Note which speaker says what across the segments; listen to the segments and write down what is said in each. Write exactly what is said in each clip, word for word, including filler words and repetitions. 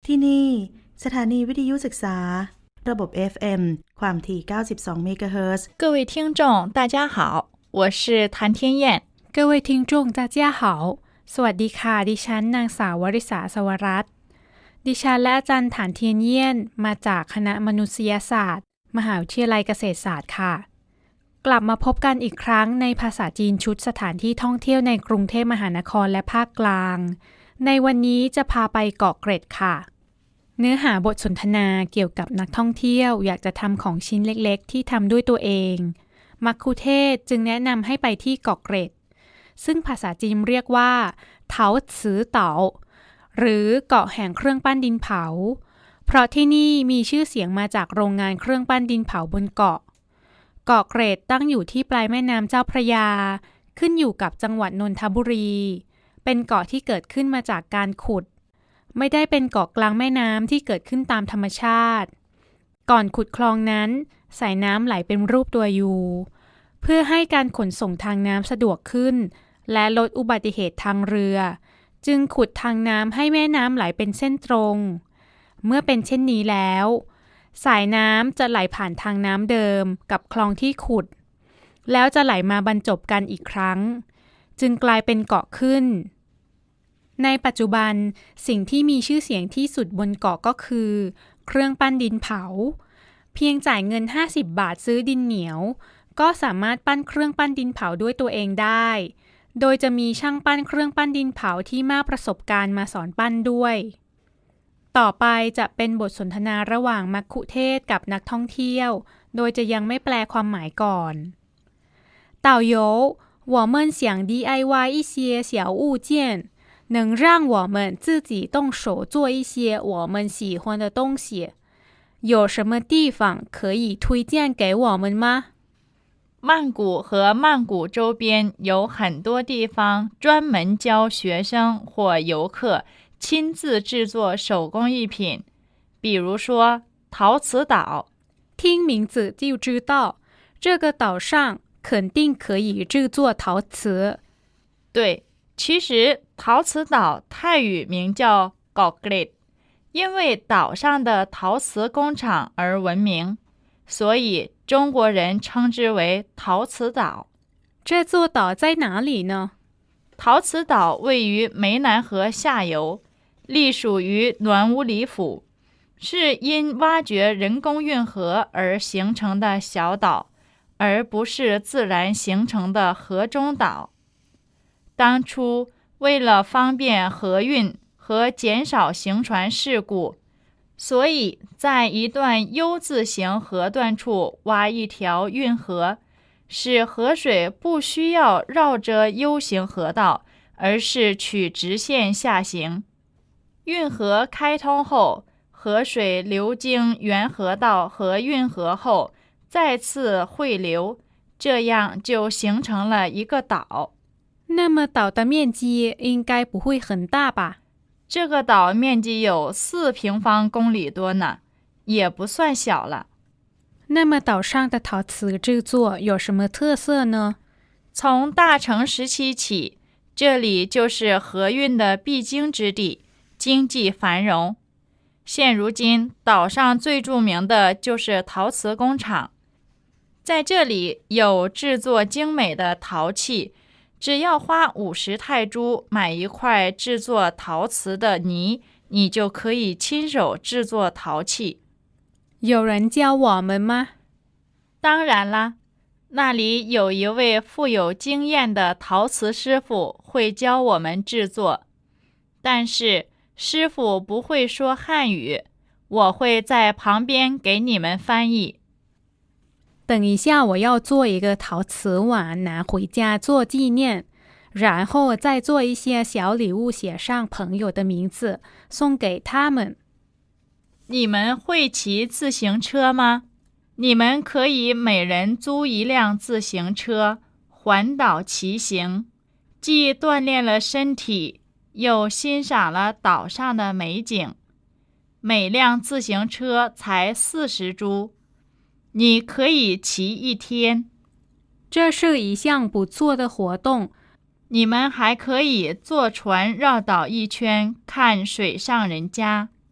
Speaker 1: ที่นี่สถานีวิทยุศึกษาระบบ เอฟ เอ็ม ความถี่เก้าสิบสองเมกะเฮิรตซ์
Speaker 2: 各位听众大家好我是谭天燕
Speaker 3: 各位听众大家好สวัสดีค่ะดิฉันนางสาววริษาสวรัตน์ดิฉันและอาจารย์ฐานเทียนเยี่ยนมาจากคณะมนุษยศาสตร์มหาวิทยาลัยเกษตรศาสตร์ค่ะกลับมาพบกันอีกครั้งในภาษาจีนชุดสถานที่ท่องเที่ยวในกรุงเทพมหานครและภาคกลางในวันนี้จะพาไปเกาะเกร็ดค่ะเนื้อหาบทสนทนาเกี่ยวกับนักท่องเที่ยวอยากจะทำของชิ้นเล็กๆที่ทำด้วยตัวเองมัคคุเทศจึงแนะนำให้ไปที่เกาะเกร็ดซึ่งภาษาจีนเรียกว่าเถาซือเต๋าหรือเกาะแห่งเครื่องปั้นดินเผาเพราะที่นี่มีชื่อเสียงมาจากโรงงานเครื่องปั้นดินเผาบนเกาะเกาะเกร็ดตั้งอยู่ที่ปลายแม่น้ำเจ้าพระยาขึ้นอยู่กับจังหวัดนนทบุรีเป็นเกาะที่เกิดขึ้นมาจากการขุดไม่ได้เป็นเกาะกลางแม่น้ำที่เกิดขึ้นตามธรรมชาติก่อนขุดคลองนั้นสายน้ำไหลเป็นรูปตัวยูเพื่อให้การขนส่งทางน้ำสะดวกขึ้นและลดอุบัติเหตุทางเรือจึงขุดทางน้ำให้แม่น้ำไหลเป็นเส้นตรงเมื่อเป็นเช่นนี้แล้วสายน้ำจะไหลผ่านทางน้ำเดิมกับคลองที่ขุดแล้วจะไหลมาบรรจบกันอีกครั้งจึงกลายเป็นเกาะขึ้นในปัจจุบันสิ่งที่มีชื่อเสียงที่สุดบนเกาะก็คือเครื่องปั้นดินเผาเพียงจ่ายเงินห้าสิบบาทซื้อดินเหนียวก็สามารถปั้นเครื่องปั้นดินเผาด้วยตัวเองได้โดยจะมีช่างปั้นเครื่องปั้นดินเผาที่มากประสบการณ์มาสอนปั้นด้วยต่อไปจะเป็นบทสนทนาระหว่างมัคคุเทศก์กับนักท่องเที่ยวโดยจะยังไม่แปลความหมายก่อน导游我们想 ดี ไอ วาย 一些小物件能让我们自己动手做一些我们喜欢的东西有什么地方可以推荐给我们吗
Speaker 2: 曼谷和曼谷周边有很多地方专门教学生或游客亲自制作手工艺品，比如说陶瓷岛。
Speaker 3: 听名字就知道，这个岛上肯定可以制作陶瓷。
Speaker 2: 对，其实陶瓷岛泰语名叫 Gok Gret， 因为岛上的陶瓷工厂而闻名，所以中国人称之为陶瓷岛。
Speaker 3: 这座岛在哪里呢？
Speaker 2: 陶瓷岛位于湄南河下游，隶属于暖武里府，是因挖掘人工运河而形成的小岛，而不是自然形成的河中岛。当初为了方便河运和减少行船事故，所以在一段 U 字形河段处挖一条运河，使河水不需要绕着 U 型河道，而是取直线下行。运河开通后，河水流经原河道和运河后再次汇流，这样就形成了一个岛。
Speaker 3: 那么岛的面积应该不会很大吧？
Speaker 2: 这个岛面积有四平方公里多呢，也不算小了。
Speaker 3: 那么岛上的陶瓷制作有什么特色呢？
Speaker 2: 从大成时期起，这里就是河运的必经之地，经济繁荣。现如今，岛上最著名的就是陶瓷工厂，在这里有制作精美的陶器。只要花五十泰铢买一块制作陶瓷的泥，你就可以亲手制作陶器。
Speaker 3: 有人教我们吗？
Speaker 2: 当然啦，那里有一位富有经验的陶瓷师傅会教我们制作，但是师傅不会说汉语，我会在旁边给你们翻译。
Speaker 3: 等一下我要做一个陶瓷碗拿回家做纪念，然后再做一些小礼物写上朋友的名字送给他们。
Speaker 2: 你们会骑自行车吗？你们可以每人租一辆自行车环岛骑行，既锻炼了身体，又欣赏了岛上的美景。每辆自行车才四十铢，你可以骑一天。
Speaker 3: 这是一项不错的活动。
Speaker 2: 你们还可以坐船绕岛一圈，看水上人家。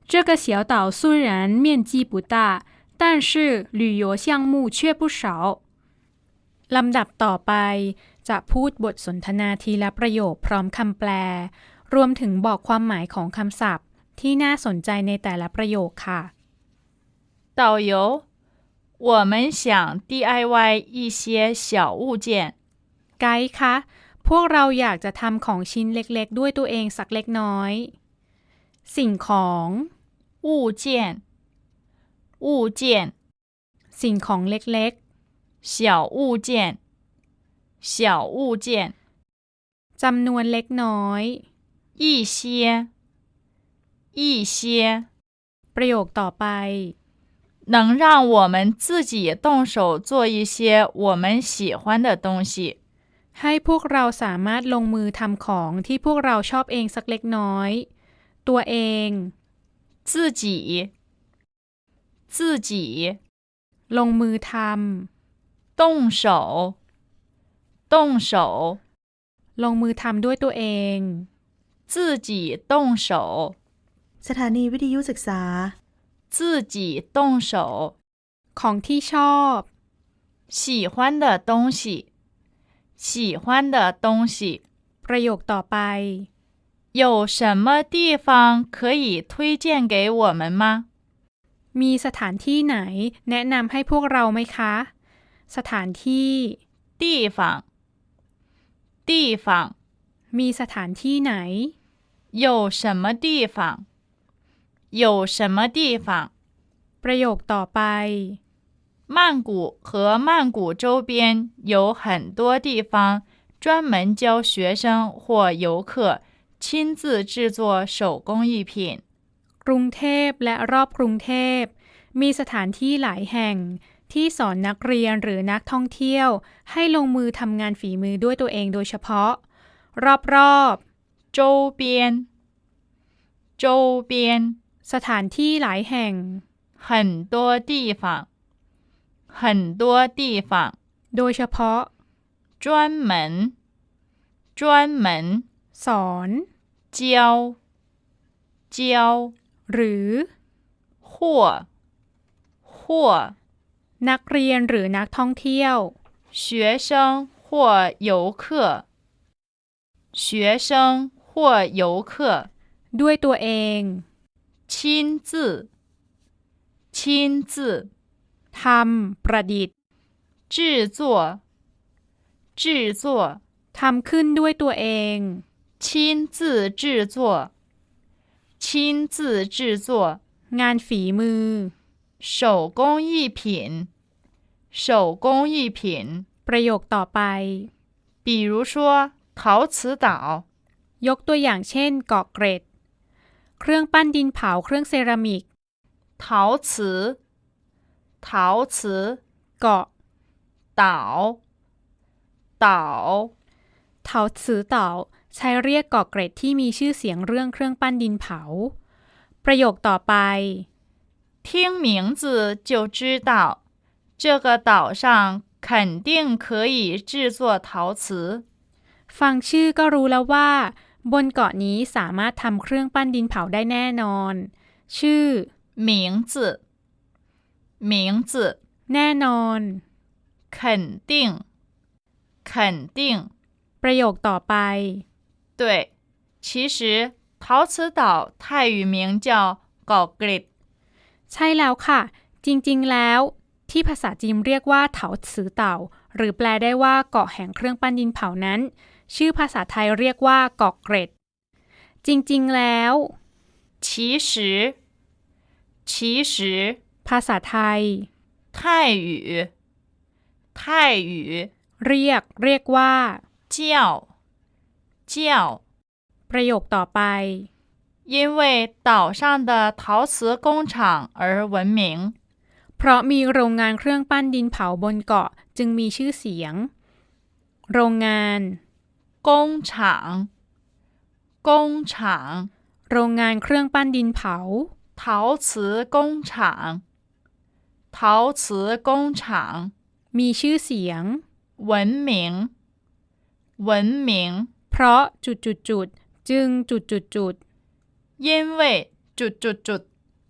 Speaker 3: 这个小岛虽然面积不大，但是旅游项目却不少ลำดับต่อไปจะพูดบทสนทนาทีละประโยคพร้อมคำแปลรวมถึงบอกความหมายของคำศัพท์ที่น่าสนใจในแต่ละประโยคค่ะ
Speaker 2: 导游，我们想 ดี ไอ วาย 一些小物件。
Speaker 3: ไกด์คะพวกเราอยากจะทำของชิ้นเล็กๆด้วยตัวเองสักเล็กน้อยสิ่งของ
Speaker 2: 物件，物件，
Speaker 3: สิ่งของเล็ก
Speaker 2: 小物件，小物件，
Speaker 3: ๆจำนวนเล็กน้อย
Speaker 2: 一些，一些，
Speaker 3: ประโยคต่อไป
Speaker 2: 能让我们自己动手做一些我们喜欢的东西。
Speaker 3: ให้พวกเราสามารถลงมือทำของที่พวกเราชอบเองสักเล็กน้อยตัวเอง
Speaker 2: 自己，自己，
Speaker 3: ลงมือท
Speaker 2: 动手，动手，
Speaker 3: ำลงมือทำด้วยตัวเอง
Speaker 2: 自己动手，
Speaker 1: สถานีวิทยุศึกษา
Speaker 2: 自己动手。
Speaker 3: ของที่ชอบ
Speaker 2: 喜欢的东西，喜欢的东西。
Speaker 3: ประโยคต่อไป
Speaker 2: 有什么地方可以推荐给我们吗？
Speaker 3: มีสถานที่ไหนแนะนำให้พวกเราไหมคะสถานที่
Speaker 2: 地方，地方，
Speaker 3: มีสถานที่ไหน
Speaker 2: 有什么地方？有什么地方？
Speaker 3: ประโยคต่อไป
Speaker 2: 曼谷和曼谷周边有很多地方专门教学生或游客亲自制作手工艺品。
Speaker 3: กรุงเทพและรอบกรุงเทพมีสถานที่หลายแห่งที่สอนนักเรียนหรือนักท่องเที่ยวให้ลงมือทำงานฝีมือด้วยตัวเองโดยเฉพาะรอบ
Speaker 2: ๆ周边周边
Speaker 3: สถานที่หลายแห่ง
Speaker 2: 很多地方很多地方
Speaker 3: โดยเฉพาะ
Speaker 2: 专门专门
Speaker 3: สอน
Speaker 2: 教教
Speaker 3: หรือ
Speaker 2: 或或
Speaker 3: นักเรียนหรือนักท่องเที่ยว
Speaker 2: 学生或游客学生或游客
Speaker 3: ด้วยตัวเอง
Speaker 2: 亲自亲自
Speaker 3: ทำประดิษฐ์
Speaker 2: 制作制作
Speaker 3: ทำขึ้นด้วยตัวเอง
Speaker 2: 亲自制作亲自制作
Speaker 3: งานฝีมือ
Speaker 2: 手工艺品手工艺品
Speaker 3: ประโยคต่อไป
Speaker 2: 比如说陶瓷岛
Speaker 3: ยกตัวอย่างเช่นเกาะเกร็ดเครื่องปั้นดินเผาเครื่องเซรามิก
Speaker 2: 陶瓷陶瓷
Speaker 3: เกาะ
Speaker 2: 岛岛
Speaker 3: เถาซือเต่าใช้เรียกเกาะเกร็ดที่มีชื่อเสียงเรื่องเครื่องปั้นดินเผาประโยคต่อไป
Speaker 2: 听名字就知道这个岛上肯定可以制作陶瓷
Speaker 3: ฟังชื่อก็รู้แล้วว่าบนเกาะนี้สามารถทำเครื่องปั้นดินเผาได้แน่นอนชื่อ
Speaker 2: 名字名字
Speaker 3: แน่นอน
Speaker 2: 肯定肯定
Speaker 3: ประโยคต่อไป
Speaker 2: 对其实陶瓷岛泰语名叫เกาะเกร็ด
Speaker 3: ใช่แล้วค่ะจริงๆแล้วที่ภาษาจีนเรียกว่าเถาซือเต่าหรือแปลได้ว่าเกาะแห่งเครื่องปั้นดินเผานั้นชื่อภาษาไทยเรียกว่าเกาะเกร็ดจริงๆแล้ว
Speaker 2: 其实其实
Speaker 3: ภาษาไทย
Speaker 2: 泰语泰语
Speaker 3: เรียกเรียกว่า
Speaker 2: 叫叫
Speaker 3: ประโยคต่อไป
Speaker 2: 因为岛上的陶瓷工厂而闻名
Speaker 3: เพราะมีโรงงานเครื่องปั้นดินเผาบนเกาะจึงมีชื่อเสียงโรงงาน
Speaker 2: 工厂工厂
Speaker 3: โรงงานเครื่องปั้นดินเผา
Speaker 2: 陶瓷工厂陶瓷工厂
Speaker 3: มีชื่อเสียง
Speaker 2: 闻名闻名
Speaker 3: เพราะจุดจุดจุดจึงจุดจุดจุด
Speaker 2: 因为จุดจุดจุด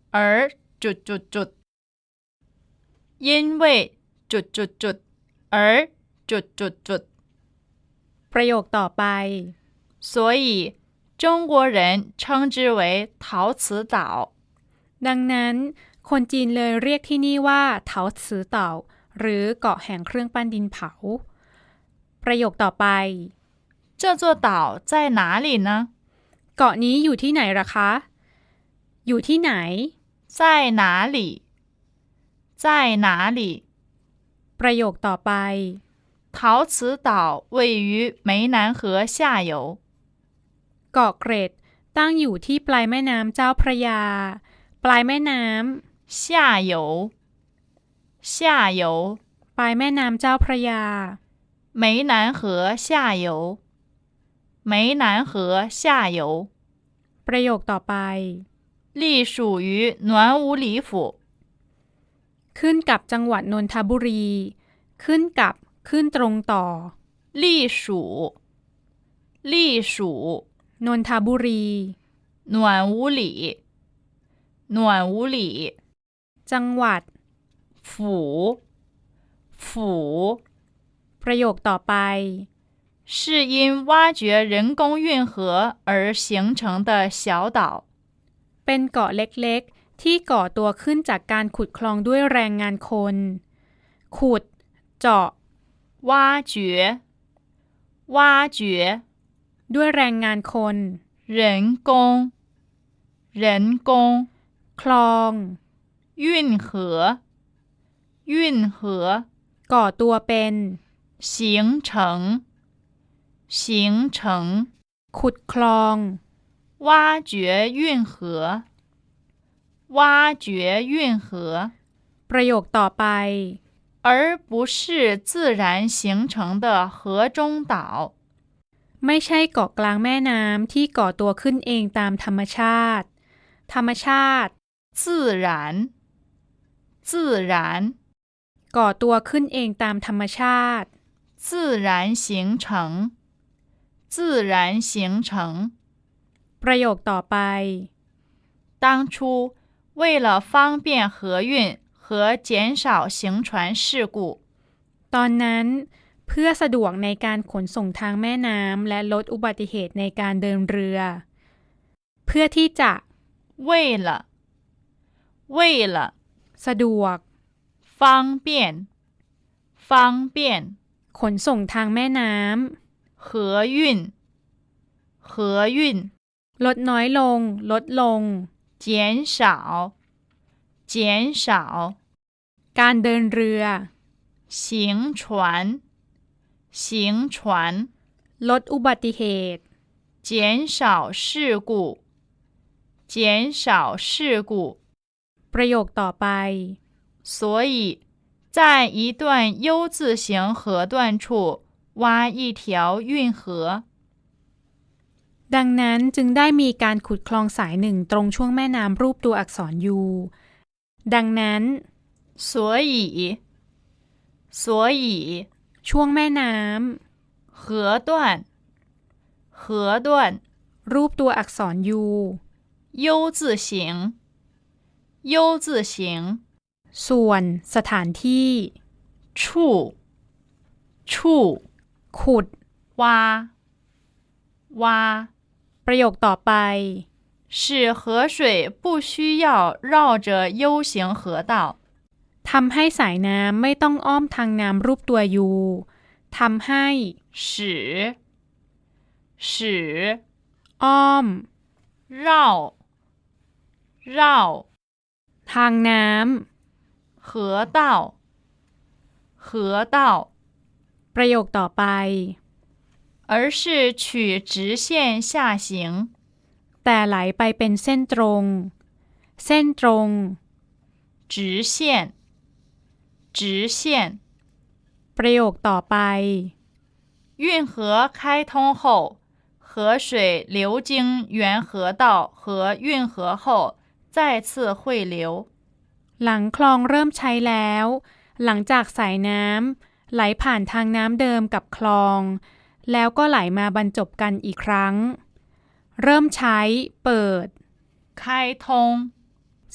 Speaker 2: 而จุดจุดจุด因为จุดจุดจุด而จุดจุดจุด
Speaker 3: ประโยคต่อไป
Speaker 2: 所以中国人称之为陶瓷岛
Speaker 3: ดังนั้นคนจีนเลยเรียกที่นี่ว่าเถาซือเต่าหรือเกาะแห่งเครื่องปั้นดินเผา ประโยคต่อไป
Speaker 2: 这座岛在哪里呢
Speaker 3: เกาะนี้อยู่ที่ไหนล่ะคะ อยู่ที่ไหน
Speaker 2: 在哪里在哪里
Speaker 3: ประโยคต่อไป
Speaker 2: 陶瓷岛位于湄南河下游
Speaker 3: เกาะเกร็ดตั้งอยู่ที่ปลายแม่น้ำเจ้าพระยา ปลายแม่น้
Speaker 2: 下游下游
Speaker 3: ำปลายแม่น้ำเจ้าพระยา
Speaker 2: 湄南河下游湄南河下游
Speaker 3: ประโยคต่อไป
Speaker 2: 隶属于暖武里府
Speaker 3: ขึ้นกับจังหวัดนนทบุรี ขึ้นกับขึ้นตรงต่อ
Speaker 2: 隶属隶属
Speaker 3: นนทบุรี
Speaker 2: 暖武里暖武里
Speaker 3: จังหวัด
Speaker 2: 府府
Speaker 3: ประโยคต่อไป
Speaker 2: 是因挖掘人工运河而形成的小岛
Speaker 3: เป็นเกาะเล็กๆ ที่ก่อตัวขึ้นจากการขุดคลองด้วยแรงงานคน ขุด เจาะ
Speaker 2: 挖掘挖掘
Speaker 3: ด้วยแรงงานคน
Speaker 2: 人工人工
Speaker 3: คลอง
Speaker 2: 运河运河
Speaker 3: ก่อตัวเป็น
Speaker 2: 形成形成
Speaker 3: ขุดคลอง
Speaker 2: 挖掘运河挖掘运河
Speaker 3: ประโยคต่อไป
Speaker 2: 而不是自然形成的河中岛
Speaker 3: ไม่ใช่เกาะกลางแม่น้ำที่ก่อตัวขึ้นเองตามธรรมชาติ ธรรมชาติ
Speaker 2: 自然自然
Speaker 3: ก่อตัวขึ้นเองตามธรรมชาติ
Speaker 2: 自然形成自然形成
Speaker 3: ประโยคต่อไป
Speaker 2: 当初为了方便河运和减少行船事故
Speaker 3: ตอนนั้นเพื่อสะดวกในการขนส่งทางแม่น้ำและลดอุบัติเหตุในการเดินเรือ เพื่อที่จะ
Speaker 2: 为了为了
Speaker 3: สะดวก
Speaker 2: 方便方便
Speaker 3: ขนส่งทางแม่น้
Speaker 2: 河运河运
Speaker 3: ำลดน้อยลง ลดลง
Speaker 2: 减少减少
Speaker 3: การเดินเรือ
Speaker 2: 行船行船
Speaker 3: ลดอุบัติเหตุ
Speaker 2: 减少事故减少事故
Speaker 3: ประโยคต่อไป
Speaker 2: 所以在一段 U 字形河段处挖一条运河
Speaker 3: ดังนั้นจึงได้มีการขุดคลองสายหนึ่งตรงช่วงแม่น้ำรูปตัวอักษร U ดังนั้น
Speaker 2: 所以所以
Speaker 3: ช่วงแม่น้
Speaker 2: 河段河段
Speaker 3: ำรูปตัวอักษร U
Speaker 2: U 字形 U 字形
Speaker 3: ส่วนสถานที่
Speaker 2: 处处
Speaker 3: ขุด
Speaker 2: 挖挖
Speaker 3: ประโยคต่อไป
Speaker 2: 使河水不需要绕着 U 型河道
Speaker 3: ทำให้สายน้ำไม่ต้องอ้อมทางน้ำรูปตัว U ทำให้
Speaker 2: 使使
Speaker 3: อ้อม
Speaker 2: 绕绕
Speaker 3: ทางน้
Speaker 2: 河道河道
Speaker 3: ำประโยคต่อไป
Speaker 2: 而是取直线下行
Speaker 3: แต่ไหลไปเป็นเส้นตรง เส้นตรง
Speaker 2: 直线直线
Speaker 3: ประโยคต่อไป
Speaker 2: 运河开通后河水流经原河道和运河后再次汇流
Speaker 3: หลังคลองเริ่มใช้แล้ว หลังจากสายน้ำไหลผ่านทางน้ำเดิมกับคลอง แล้วก็ไหลมาบรรจบกันอีกครั้ง เริ่มใช้ เปิด
Speaker 2: 开通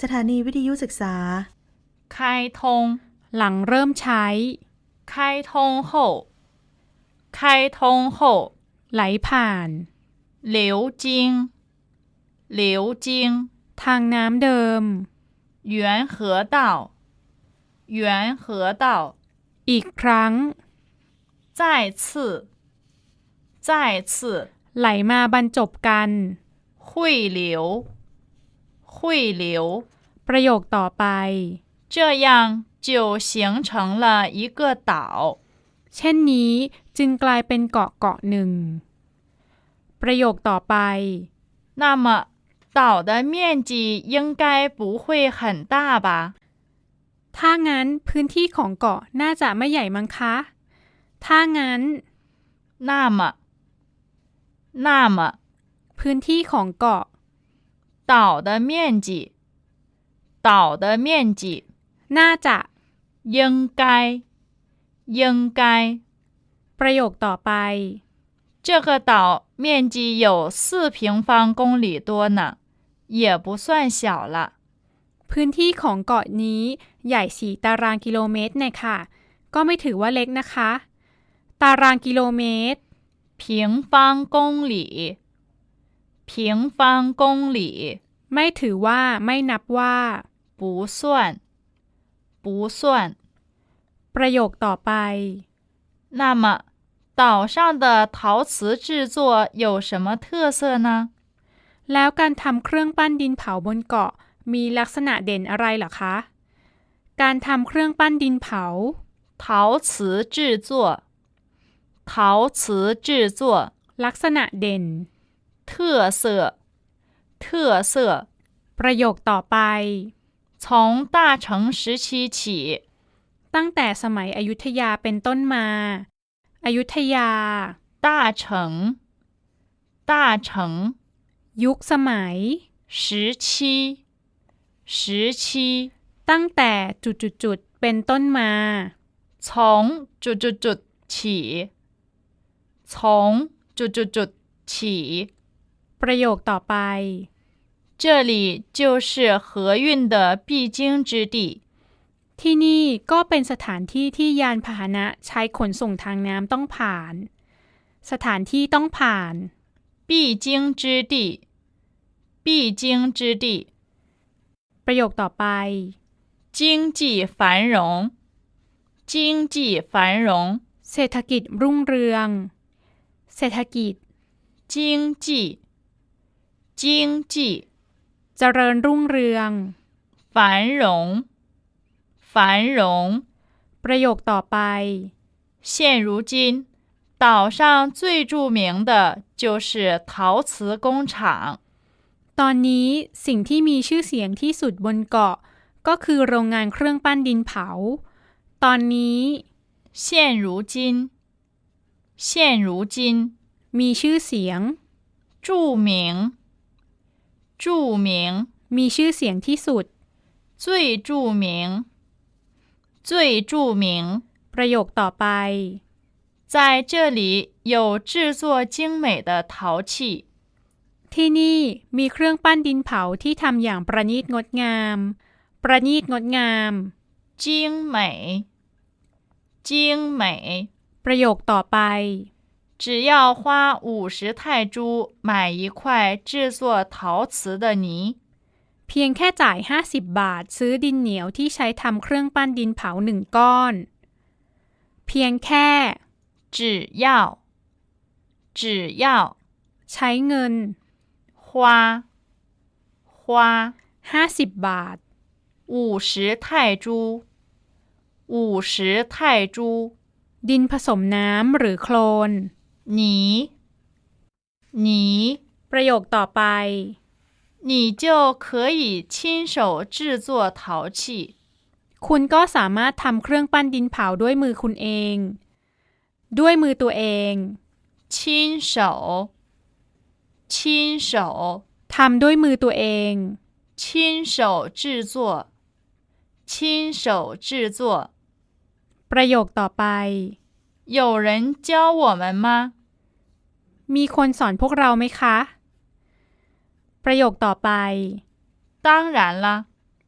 Speaker 1: สถานีวิทยุศึกษา
Speaker 2: 开通
Speaker 3: หลังเริ่มใช้
Speaker 2: 开通后开通后
Speaker 3: ไหลผ่าน
Speaker 2: 流经流经
Speaker 3: ทางน้ำเดิม
Speaker 2: 元河道元河道
Speaker 3: อีกครั้ง
Speaker 2: 再次再次
Speaker 3: ไหลมาบรรจบกัน
Speaker 2: 汇流汇流
Speaker 3: ประโยคต่อไป
Speaker 2: 这样就形成了一个岛
Speaker 3: เช่นนี้จึงกลายเป็นเกาะเกาะหนึ่ง ประโยคต่อไป
Speaker 2: 那么岛的面积应该不会很大吧
Speaker 3: ถ้างั้นพื้นที่ของเกาะน่าจะไม่ใหญ่มั้งคะ ถ้างั้น
Speaker 2: 那么那么
Speaker 3: พื้นที่ของเกาะ
Speaker 2: 岛的面积岛的面积
Speaker 3: น่าจะ
Speaker 2: 应该应该
Speaker 3: ประโยคต่อไป
Speaker 2: 这个岛面积有四平方公里多呢也不算小了
Speaker 3: พื้นที่ของเกาะนี้ใหญ่สี่ตารางกิโลเมตรเนี่ยค่ะ ก็ไม่ถือว่าเล็กนะคะ ตารางกิโลเมตร
Speaker 2: 平方公里平方公里
Speaker 3: ไม่ถือว่าไม่นับว่า
Speaker 2: 不算不算
Speaker 3: ประโยคต่อไป
Speaker 2: 那么岛上的陶瓷制作有什么特色呢
Speaker 3: แล้วการทำเครื่องปั้นดินเผาบนเกาะมีลักษณะเด่นอะไรเหรอคะ การทำเครื่องปั้นดินเผา
Speaker 2: 陶瓷制作陶瓷制作
Speaker 3: ลักษณะเด่น
Speaker 2: 特色特色
Speaker 3: ประโยคต่อไป
Speaker 2: 从大成时期起
Speaker 3: ตั้งแต่สมัยอยุธยาเป็นต้นมา อยุธยา
Speaker 2: 大成大成
Speaker 3: ยุคสมัย
Speaker 2: 时期时期
Speaker 3: ตั้งแต่จุดๆๆเป็นต้นมา
Speaker 2: 从จุดจุดจุด起从จุดจุดจุด起
Speaker 3: ประโยคต่อไป
Speaker 2: 这里就是河运的必经之地
Speaker 3: ที่นี่ก็เป็นสถานที่ที่ยานพาหนะใช้ขนส่งทางน้ำต้องผ่าน สถานที่ต้องผ่าน
Speaker 2: 必经之地必经之地
Speaker 3: ประโยคต่อไป
Speaker 2: 经济繁荣经济繁荣
Speaker 3: เศรษฐกิจรุ่งเรือง เศรษฐกิจ
Speaker 2: 经济经济
Speaker 3: เจริญรุ่งเรือง
Speaker 2: 繁荣繁荣
Speaker 3: ประโยคต่อไป
Speaker 2: 现如今岛上最著名的就是陶瓷工厂
Speaker 3: ตอนนี้สิ่งที่มีชื่อเสียงที่สุดบนเกาะ ก็คือโรงงานเครื่องปั้นดินเผา ตอนนี้
Speaker 2: 现如今现如今
Speaker 3: มีชื่อเสียง
Speaker 2: 著名著名
Speaker 3: มีชื่อเสียงที่สุด
Speaker 2: 最著名最著名
Speaker 3: ประโยคต่อไป
Speaker 2: 在这里有制作精美的陶器
Speaker 3: ที่นี่มีเครื่องปั้นดินเผาที่ทำอย่างประณีตงดงาม ประณีตงดงาม
Speaker 2: 精美精美
Speaker 3: ประโยคต่อไป
Speaker 2: 只要花五十泰铢买一块制作陶瓷的泥
Speaker 3: เพียงแค่จ่ายห้าสิบบาทซื้อดินเหนียวที่ใช้ทำเครื่องปั้นดินเผาหนึ่งก้อน เพียงแค่
Speaker 2: 只要只要
Speaker 3: ใช้เงิน
Speaker 2: 花花
Speaker 3: ห้าสิบบาท
Speaker 2: 五十泰铢五十泰铢
Speaker 3: ดินผสมน้ำหรือโคลน
Speaker 2: 泥泥
Speaker 3: ประโยคต่อไป
Speaker 2: 你就可以亲手制作陶器
Speaker 3: คุณก็สามารถทำเครื่องปั้นดินเผาด้วยมือคุณเอง ด้วยมือตัวเอง
Speaker 2: 亲手亲手
Speaker 3: ทำด้วยมือตัวเอง
Speaker 2: 亲手制作亲手制作
Speaker 3: ประโยคต่อไป
Speaker 2: 有人教我们吗
Speaker 3: มีคนสอนพวกเราไหมคะ ประโยคต่อไป
Speaker 2: 当然了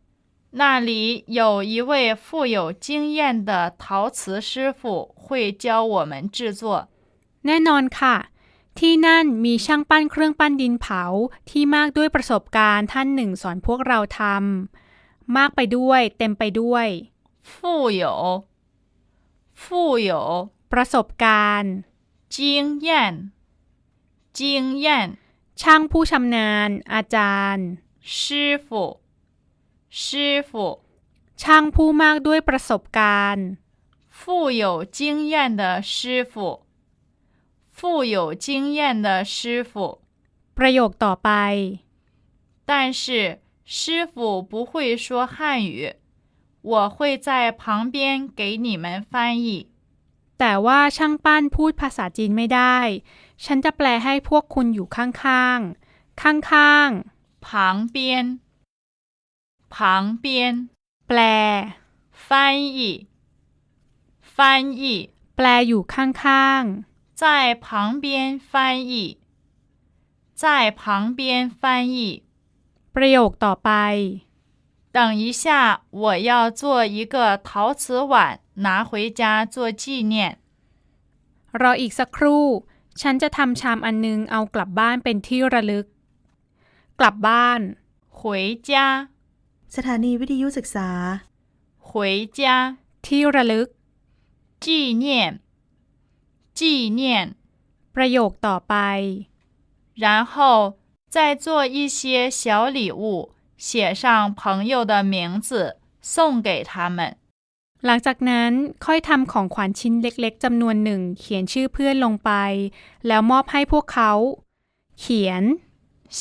Speaker 2: 那里有一位富有经验的陶瓷师傅会教我们制作。
Speaker 3: แน่นอนค่ะ ที่นั่นมีช่างปั้นเครื่องปั้นดินเผาที่มากด้วยประสบการณ์ท่านหนึ่งสอนพวกเราทำมากไปด้วยเต็มไปด้วย
Speaker 2: 富有富有
Speaker 3: ประสบการณ์
Speaker 2: 经验经验
Speaker 3: ช่างผู้ชำนาญ อาจารย์
Speaker 2: 师傅师傅
Speaker 3: ช่างผู้มากด้วยประสบการณ์
Speaker 2: 富有经验的师傅富有经验的师傅
Speaker 3: ประโยคต่อไป
Speaker 2: 但是师傅不会说汉语，我会在旁边给你们翻译。
Speaker 3: แต่ว่าช่างปั้นพูดภาษาจีนไม่ได้ ฉันจะแปลให้พวกคุณอยู่ข้างๆ ข้าง
Speaker 2: 旁边旁边
Speaker 3: ๆ แปล
Speaker 2: 翻译翻译
Speaker 3: แปลอยู่ข้างๆ
Speaker 2: 在旁边翻译在旁边翻译
Speaker 3: ประโยคต่อไป
Speaker 2: 等一下我要做一个陶瓷碗拿回家做纪念。
Speaker 3: รออีกสักครู่ ฉันจะทำชามอันนึงเอากลับบ้านเป็นที่ระลึก กลับบ้าน
Speaker 2: 回家
Speaker 1: สถานีวิทยุศึกษา
Speaker 2: 回家
Speaker 3: ที่ระลึก
Speaker 2: 纪念纪念
Speaker 3: ประโยคต่อไป
Speaker 2: 然后再做一些小礼物写上朋友的名字送给他们。
Speaker 3: หลังจากนั้นค่อยทำของขวัญชิ้นเล็กๆจำนวนหนึ่งเขียนชื่อเพื่อนลงไป แล้วมอบให้พวกเขา เขียน
Speaker 2: 写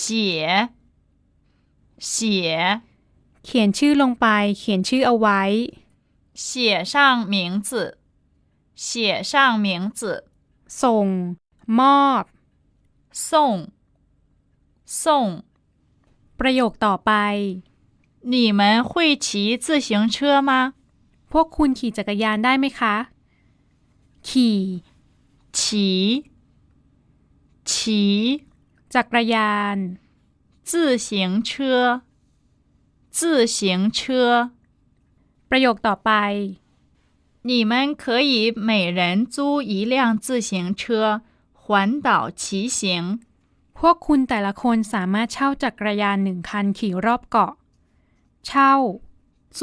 Speaker 2: 写
Speaker 3: เขียนชื่อลงไป เขียนชื่อเอาไว้
Speaker 2: 写上名字写上名字
Speaker 3: ส่ง มอบ
Speaker 2: 送送
Speaker 3: ประโยคต่อไป
Speaker 2: 你们会骑自行车吗？
Speaker 3: พวกคุณขี่จักรยานได้ไหมคะ ขี่
Speaker 2: 骑骑
Speaker 3: จักรยาน
Speaker 2: 自行车自行车
Speaker 3: ประโยคต่อไป
Speaker 2: 你们可以每人租一辆自行车环岛骑行。
Speaker 3: พวกคุณแต่ละคนสามารถเช่าจักรยานหนึ่งคันขี่รอบเกาะ เช่า
Speaker 2: 租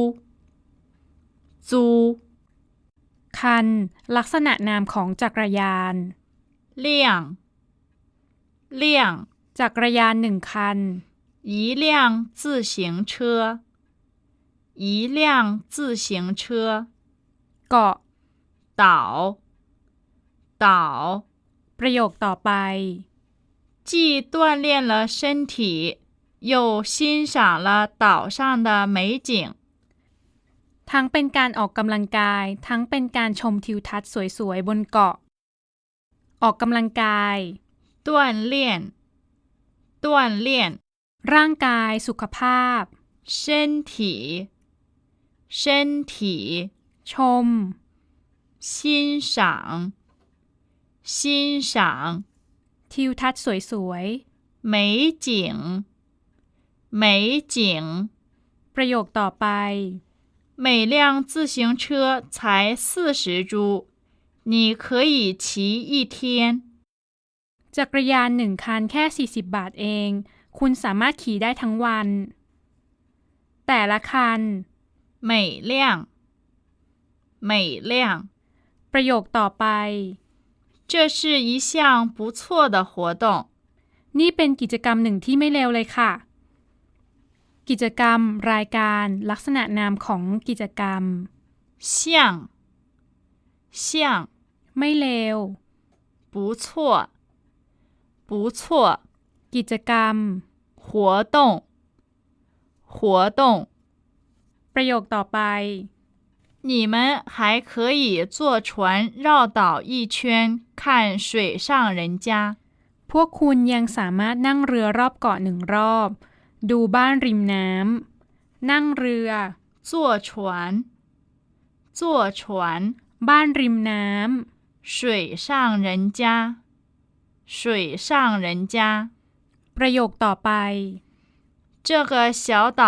Speaker 2: 租
Speaker 3: คัน ลักษณะนามของจักรยาน
Speaker 2: 辆辆
Speaker 3: จักรยานหนึ่งคัน
Speaker 2: 一辆自行车一辆自行车
Speaker 3: เกาะ
Speaker 2: 岛岛
Speaker 3: ประโยคต่อไป
Speaker 2: 既锻炼了身体又欣赏了岛上的美景。
Speaker 3: ทั้งเป็นการออกกำลังกาย ทั้งเป็นการชมทิวทัศน์สวยๆบนเกาะ ออกกำลังกาย
Speaker 2: 锻炼锻炼
Speaker 3: ร่างกาย สุขภาพ
Speaker 2: 身体身体
Speaker 3: ชม
Speaker 2: 欣赏欣赏
Speaker 3: ทิวทัศน์สวยๆ
Speaker 2: 美景美景
Speaker 3: ประโยคต่อไป
Speaker 2: 每辆自行车才四十铢你可以骑一天。
Speaker 3: จักรยานหนึ่งคันแค่สี่สิบบาทเอง คุณสามารถขี่ได้ทั้งวัน แต่ละคัน
Speaker 2: 每辆每辆
Speaker 3: ประโยคต่อไป
Speaker 2: 这是一项不错的活动。
Speaker 3: นี่เป็นกิจกรรมหนึ่งที่ไม่เลวเลยค่ะ กิจกรรม รายการ ลักษณะนามของกิจกรรม
Speaker 2: 像像
Speaker 3: ไม่เลว
Speaker 2: 不错不错
Speaker 3: กิจกรรม
Speaker 2: 活动活动
Speaker 3: ประโยคต่อไป
Speaker 2: 你们还可以坐船绕岛一圈看水上人家。
Speaker 3: พวกคุณยังสามารถนั่งเรือรอบเกาะหนึ่งรอบ ดูบ้านริมน้ำ นั่งเรือ
Speaker 2: 坐船坐船
Speaker 3: บ้านริมน้ำ
Speaker 2: 水上人家水上人家
Speaker 3: ประโยคต่อไป
Speaker 2: 这个小岛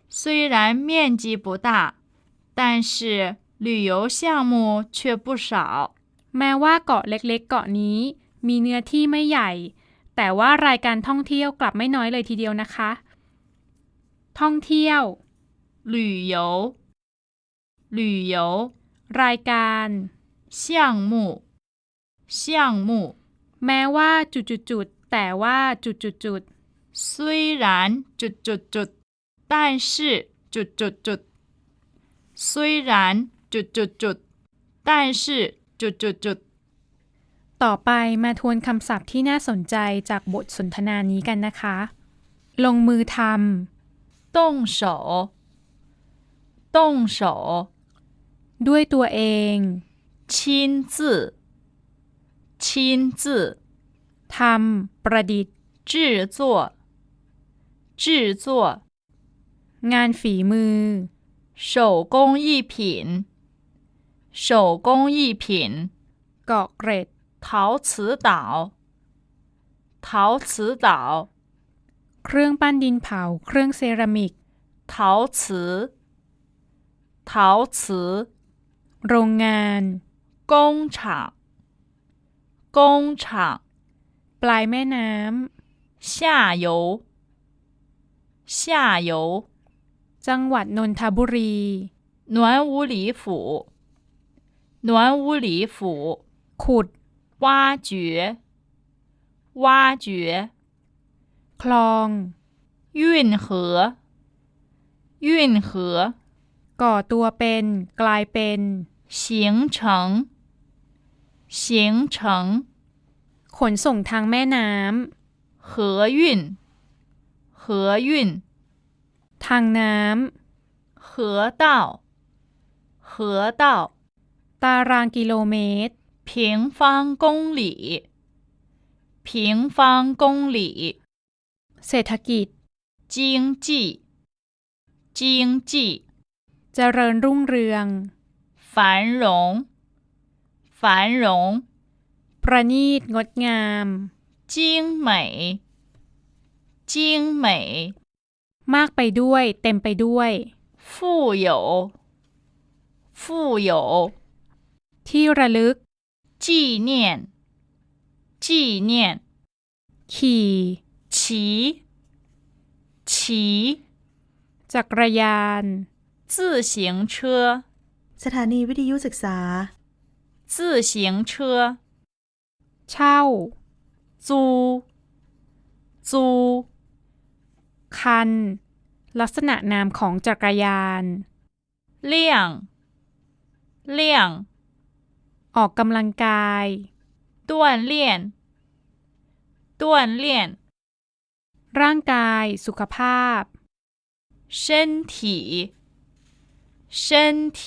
Speaker 2: 虽然面积不大，但是旅游项目却不少。
Speaker 3: แม้ว่าเกาะเล็กๆเกาะนี้มีเนื้อที่ไม่ใหญ่ แต่ว่ารายการท่องเที่ยวกลับไม่น้อยเลยทีเดียวนะคะ ท่องเที่ยว
Speaker 2: 旅游旅游
Speaker 3: รายการ
Speaker 2: 项目项目
Speaker 3: แม้ว่าจุดๆๆแต่ว่าจุดๆๆ
Speaker 2: 虽然จุดจุดจุด但是จุดจุดจุด虽然จุดจุดจุด但是จุดจุดจุด
Speaker 3: ต่อไปมาทวนคำศัพท์ที่น่าสนใจจากบทสนทนานี้กันนะคะ ลงมือท
Speaker 2: 动手动手
Speaker 3: ำด้วยตัวเอง
Speaker 2: 亲自亲自
Speaker 3: ทำประดิษฐ์
Speaker 2: 制作制作
Speaker 3: งานฝีมือ
Speaker 2: 手工艺品手工艺品
Speaker 3: เกาะเกร็ด
Speaker 2: 陶瓷岛陶瓷岛
Speaker 3: เครื่องปั้นดินเผาเครื่องเซรามิก
Speaker 2: 陶瓷陶瓷
Speaker 3: โรงงาน
Speaker 2: 工厂工厂
Speaker 3: ปลายแม่น้
Speaker 2: 下游下游
Speaker 3: ำจังหวัดนนทบุรี
Speaker 2: 暖屋里府暖屋里府
Speaker 3: ขุด
Speaker 2: 挖掘挖掘
Speaker 3: คลอง
Speaker 2: 运河运河
Speaker 3: ก่อตัวเป็น กลายเป็น
Speaker 2: 形成形成
Speaker 3: ขนส่งทางแม่น้
Speaker 2: 河运河运
Speaker 3: ำ ทางน้
Speaker 2: 河道河道
Speaker 3: ำ ตารางกิโลเมตร
Speaker 2: 平方公里平方公里
Speaker 3: เศรษฐกิจ
Speaker 2: 经济经济
Speaker 3: เจริญรุ่งเรือง
Speaker 2: 繁荣繁荣
Speaker 3: ประณีตงดงาม
Speaker 2: 精美精美
Speaker 3: มากไปด้วย เต็มไปด้วย
Speaker 2: 富有富有
Speaker 3: ที่ระลึก
Speaker 2: 纪念纪念
Speaker 3: ขี่
Speaker 2: 骑骑
Speaker 3: จักรยาน
Speaker 2: 自行车
Speaker 1: สถานีวิทยุศึกษา
Speaker 2: 自行车
Speaker 3: เช่า
Speaker 2: 租租
Speaker 3: คัน ลักษณะนามของจักรยาน
Speaker 2: 亮亮
Speaker 3: ออกกำลังกาย
Speaker 2: 锻炼锻炼
Speaker 3: ร่างกาย สุขภาพ
Speaker 2: 身体身体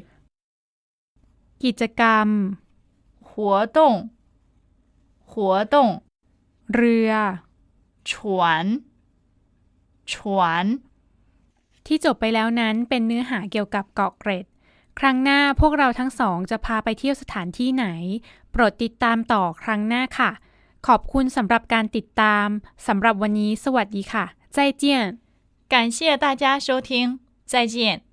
Speaker 3: กิจกรรม
Speaker 2: 活动活动
Speaker 3: เรือ
Speaker 2: 船船
Speaker 3: ที่จบไปแล้วนั้นเป็นเนื้อหาเกี่ยวกับเกาะเกร็ด ครั้งหน้าพวกเราทั้งสองจะพาไปเที่ยวสถานที่ไหน โปรดติดตามต่อครั้งหน้าค่ะ ขอบคุณสำหรับการติดตามสำหรับวันนี้สวัสดีค่ะ再见
Speaker 2: 感谢大家收听，再见。